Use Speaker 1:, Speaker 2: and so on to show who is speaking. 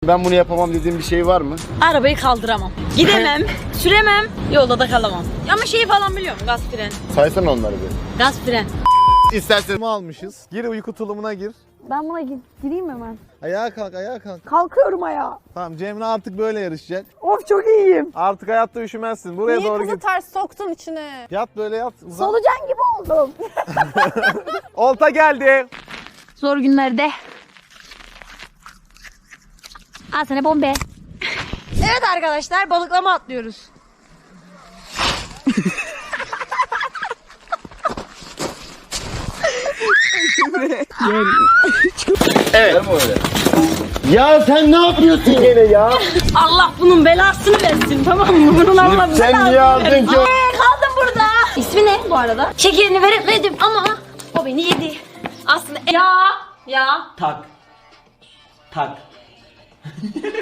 Speaker 1: ben bunu yapamam dediğim bir şey var mı?
Speaker 2: Arabayı kaldıramam. Gidemem, süremem, yolda da kalamam. Ama şeyi falan biliyorum, gaz fren.
Speaker 1: Saysana onları bir.
Speaker 2: Gaz fren.
Speaker 1: İstersen almışız. Gir uyku tulumuna gir.
Speaker 3: Ben buna gireyim hemen.
Speaker 1: Ayağa kalk, ayağa kalk.
Speaker 3: Kalkıyorum ayağa.
Speaker 1: Tamam, Cemre artık böyle yarışacak.
Speaker 3: Of çok iyiyim.
Speaker 1: Artık hayatta üşümezsin. Buraya
Speaker 4: Niye
Speaker 1: doğru
Speaker 4: kızı
Speaker 1: git.
Speaker 4: ters soktun içine?
Speaker 1: Yat böyle yat. Uzan.
Speaker 3: Solucan gibi oldum.
Speaker 1: Olta geldi.
Speaker 2: Zor günlerde. Al sana bombe. Evet arkadaşlar, balıklama atlıyoruz.
Speaker 1: Evet. Ya sen ne yapıyorsun gene ya?
Speaker 2: Allah bunun belasını versin, tamam mı? Bunun Allah
Speaker 1: Sen niye
Speaker 2: belasını
Speaker 1: aldın
Speaker 2: versin.
Speaker 1: ki?
Speaker 2: Kaldım burada. İsmi ne bu arada? Şekerini veremedim ama o beni yedi. Aslında ya.
Speaker 5: Tak.